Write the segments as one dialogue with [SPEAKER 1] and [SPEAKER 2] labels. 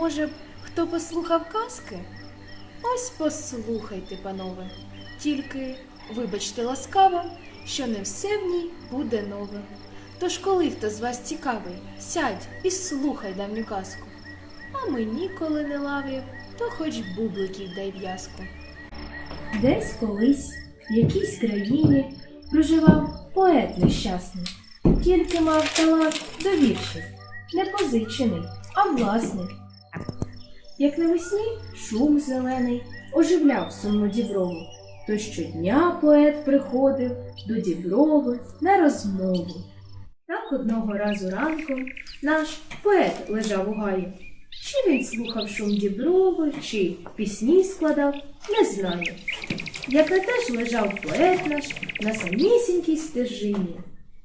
[SPEAKER 1] Може б, хто послухав казки? Ось послухайте, панове. Тільки, вибачте ласкаво, що не все в ній буде нове. Тож коли хто з вас цікавий, сядь і слухай давню казку. А мені, коли не лаврів, то хоч бубликів дай в'язку. Десь колись, в якійсь країні, проживав поет нещасний. Тільки мав талант до віршів, не позичений, а власний. Як навесні шум зелений оживляв сумну діброву, то щодня поет приходив до діброви на розмову. Так одного разу ранком наш поет лежав у гаї. Чи він слухав шум діброви, чи пісні складав, не знаю. Як не теж лежав поет наш на самісінькій стежині.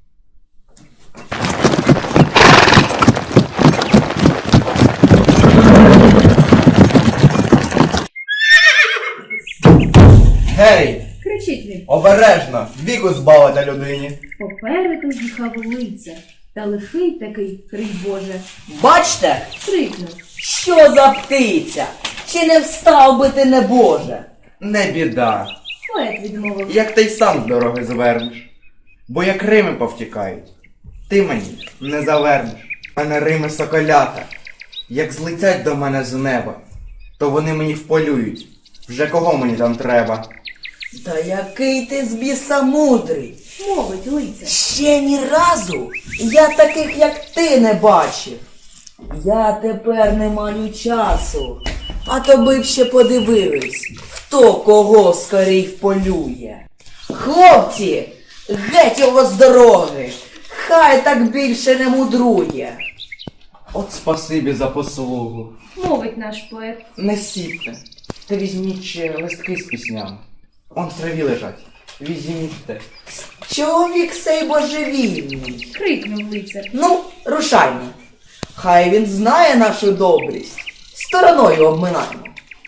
[SPEAKER 2] Гей!
[SPEAKER 1] Кричить він.
[SPEAKER 2] Обережно! Віку збавити людині!
[SPEAKER 1] Попереду їхав лицар, та лихий такий, крий Боже,
[SPEAKER 3] Бачте,
[SPEAKER 1] крикнув.
[SPEAKER 3] що за птиця? Чи не встав би ти, небоже?
[SPEAKER 2] Не біда,
[SPEAKER 1] Поет відмовив.
[SPEAKER 2] як ти й сам з дороги звернеш. Бо як рими повтікають, ти мені не завернеш. Мене рими соколята, як злетять до мене з неба, то вони мені вполюють. Вже кого мені там треба?
[SPEAKER 3] Та який ти з біса мудрий.
[SPEAKER 1] Мовить лицар.
[SPEAKER 3] Ще ні разу я таких, як ти, не бачив. Я тепер не маю часу, а то би б ще подивились, хто кого скорій вполює. Хлопці, геть його з дороги, хай так більше не мудрує.
[SPEAKER 2] От спасибі за послугу.
[SPEAKER 1] Мовить наш поет.
[SPEAKER 2] Не сіпте, та візьміть ще листки з піснями. Он в траві лежать. Візьміть те.
[SPEAKER 3] Чоловік сей божевільний.
[SPEAKER 1] Крикнув лицар.
[SPEAKER 3] Ну, рушаймо. Хай він знає нашу добрість. Стороною обминаймо.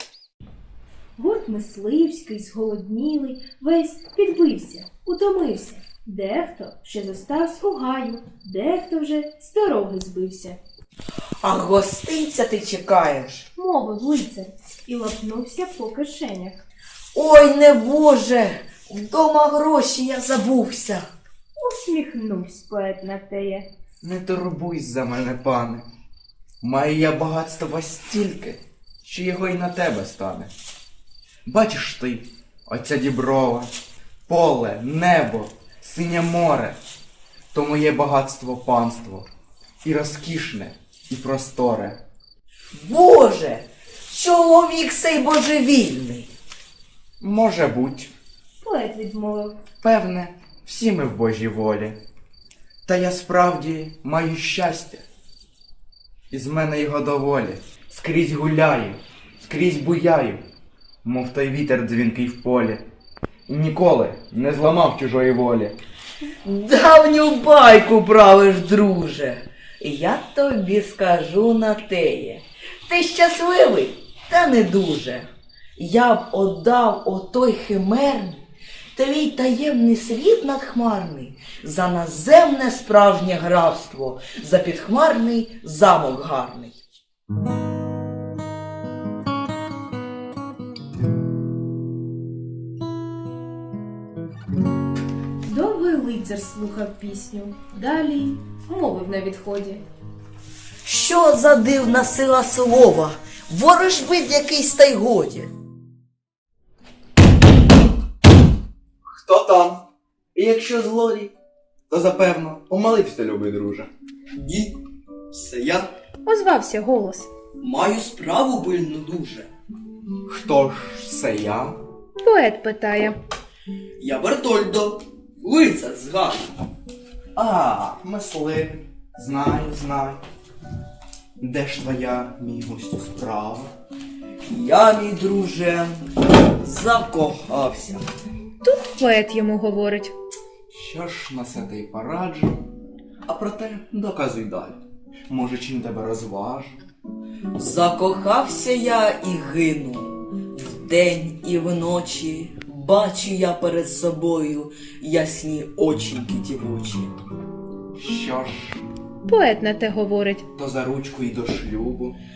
[SPEAKER 1] Гурт мисливський, зголоднілий, весь підбився, утомився. Дехто ще зостався у гаю, дехто вже з дороги збився.
[SPEAKER 3] А гостинця ти чекаєш?
[SPEAKER 1] Мовив лицар і лапнувся по кишенях.
[SPEAKER 3] Ой, не Боже, вдома гроші я забувся.
[SPEAKER 1] Усміхнувся поет на теє.
[SPEAKER 2] Не турбуйся за мене, пане. Маю я багатства стільки, що його й на тебе стане. Бачиш ти, оця діброва, поле, небо, синє море. То моє багатство панство, і розкішне, і просторе.
[SPEAKER 3] Боже, чоловік сей божевільний.
[SPEAKER 2] Може буть,
[SPEAKER 1] Поет відмовив.
[SPEAKER 2] певне, всі ми в Божій волі. Та я справді маю щастя. І з мене його доволі. Скрізь гуляю, скрізь буяю, мов той вітер дзвінкий в полі. І ніколи не зламав чужої волі.
[SPEAKER 3] Давню байку правиш, друже. Я тобі скажу на теє. Ти щасливий, та не дуже. Я б отдав отой химерний, твій таємний світ надхмарний, за наземне справжнє графство, за підхмарний замок гарний.
[SPEAKER 1] Довгий лицар слухав пісню. Далі мовив на відході.
[SPEAKER 3] Що за дивна сила слова, ворожбит якийсь та й годі.
[SPEAKER 2] Хто там? І якщо злодій, то запевно помолився, любий друже.
[SPEAKER 4] Ні, це я
[SPEAKER 1] Озвався голос.
[SPEAKER 4] маю справу пильну дуже.
[SPEAKER 2] Хто ж це я?
[SPEAKER 1] Поет питає.
[SPEAKER 4] Я Бертольдо, лицар з Гану.
[SPEAKER 2] А, мисливий. Знаю. Де ж твоя, мій гостю, справа?
[SPEAKER 4] Я, мій друже, закохався.
[SPEAKER 1] Тут поет йому говорить.
[SPEAKER 2] Що ж на це ти й пораджу? А проте доказуй далі. Може, чим тебе розважу?
[SPEAKER 3] Закохався я і гину, вдень і вночі, бачу я перед собою ясні очіньки дівочі.
[SPEAKER 2] Що ж,
[SPEAKER 1] Поет на те говорить.
[SPEAKER 2] то за ручку й до шлюбу.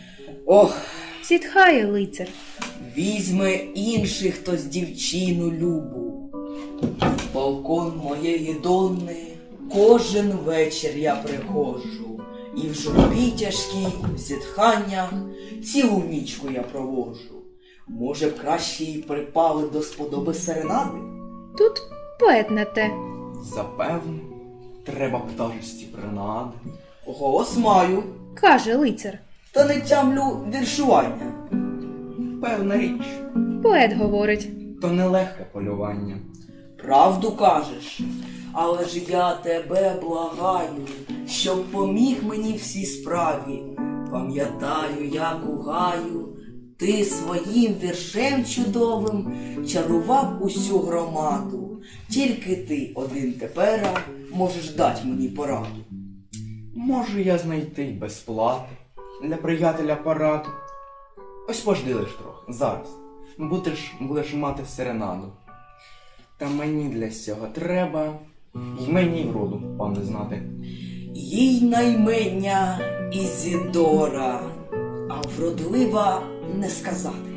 [SPEAKER 3] Ох,
[SPEAKER 1] Зітхає лицар.
[SPEAKER 3] візьме інший хтось дівчину любу. В балкон моєї донни кожен вечір я приходжу. І в журбі тяжкій, в зітханнях цілу нічку я проводжу. Може б краще їй припали до сподоби серенади?
[SPEAKER 1] Тут поет на те.
[SPEAKER 2] Запевне, треба пташості принади.
[SPEAKER 3] Голос маю,
[SPEAKER 1] Каже лицар.
[SPEAKER 3] та не тямлю віршування.
[SPEAKER 2] Певна річ,
[SPEAKER 1] Поет говорить.
[SPEAKER 2] то нелегке полювання.
[SPEAKER 3] Правду кажеш, але ж я тебе благаю, щоб поміг мені в цій справі. Пам'ятаю, як у гаю, ти своїм віршем чудовим чарував усю громаду. Тільки ти один тепера можеш дати мені пораду.
[SPEAKER 2] Можу я знайти й без плати для приятеля пораду. Ось пожди лиш трохи, зараз. Будеш мати серенаду. Та мені для цього треба, й мені вроду, пане, знати.
[SPEAKER 3] Їй наймення Ізідора, а вродлива не сказати.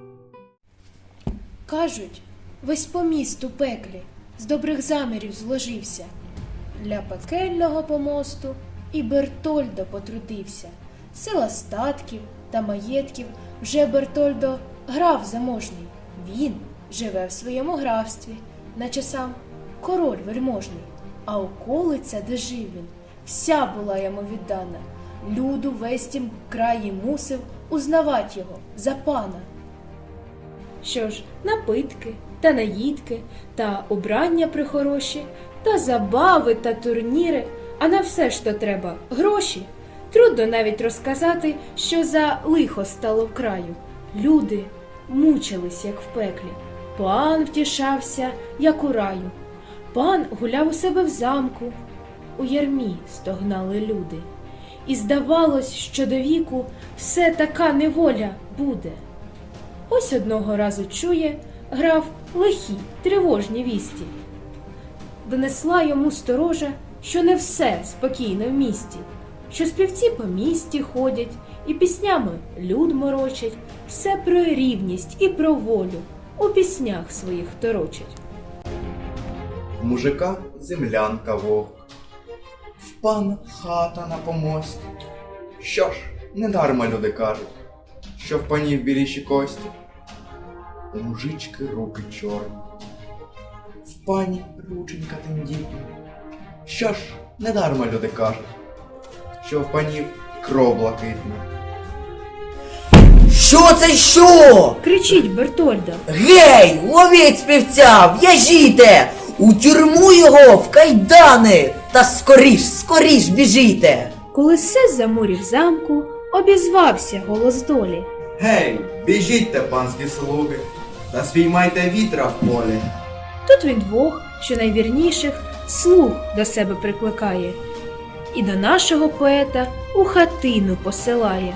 [SPEAKER 1] Кажуть, весь поміст у пеклі з добрих замірів зложився. Для пекельного помосту і Бертольдо потрудився. Сила статків та маєтків вже Бертольдо граф заможний. Він живе в своєму графстві, наче сам король вельможний. А околиця, де жив він, вся була йому віддана. Люду весь тім краї мусив узнавать його за пана. Що ж, напитки та наїдки, та убрання прихороші, та забави та турніри, а на все ж то треба гроші. Трудно навіть розказати, що за лихо стало в краю. Люди мучились, як в пеклі. Пан втішався, як у раю. Пан гуляв у себе в замку. У ярмі стогнали люди. І здавалось, що до віку все така неволя буде. Ось одного разу чує граф лихі, тривожні вісті. Донесла йому сторожа, що не все спокійно в місті, що співці по місті ходять і піснями люд морочать, все про рівність і про волю у піснях своїх торочать.
[SPEAKER 2] В мужика землянка вовк, в пана хата на помості. Що ж, недарма люди кажуть, що в панів біліші кості, у мужички руки чорні, в пані рученька тендітна. Що ж, недарма люди кажуть, що в панів кров блакитна.
[SPEAKER 3] Що це що?
[SPEAKER 1] Кричить Бертольдо.
[SPEAKER 3] Гей, ловіть співця, в'яжіте! У тюрму його, в кайдани! Та скоріш біжіте!
[SPEAKER 1] Коли все замурів замку, обізвався голос долі.
[SPEAKER 2] Гей, біжітьте, панські слуги, та спіймайте вітра в полі.
[SPEAKER 1] Тут він двох, що найвірніших, слуг до себе прикликає, і до нашого поета у хатину посилає.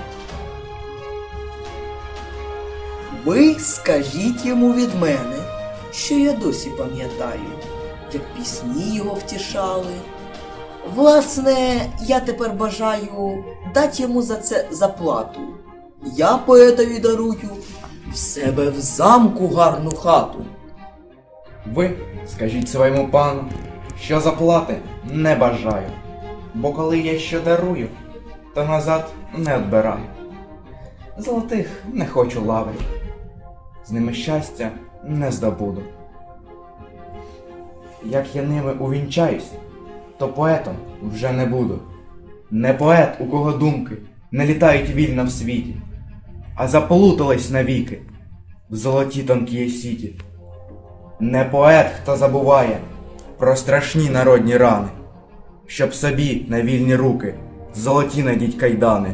[SPEAKER 3] Ви скажіть йому від мене, що я досі пам'ятаю, як пісні його втішали. Власне, я тепер бажаю дати йому за це заплату. Я поетові дарую в себе в замку гарну хату.
[SPEAKER 2] Ви скажіть своєму пану, що заплати не бажаю, бо коли я що дарую, то назад не відбираю. Золотих не хочу лаврів, з ними щастя не здобуду. Як я ними увінчаюсь, то поетом вже не буду. Не поет, у кого думки не літають вільно в світі, а заплутались навіки в золоті тонкі сіті. Не поет, хто забуває про страшні народні рани, щоб собі на вільні руки золоті надіть кайдани.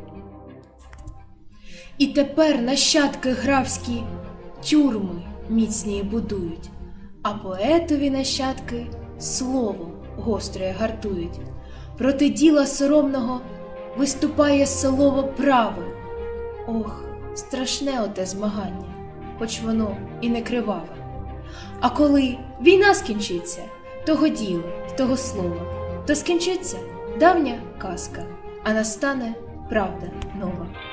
[SPEAKER 1] І тепер нащадки графські тюрми міцні будують, а поетові нащадки слово гостре гартують. Проти діла соромного виступає слово праве. Ох, страшне оте змагання, хоч воно і не криваве. А коли війна скінчиться, того діла, того слова, то скінчиться давня казка, а настане правда нова.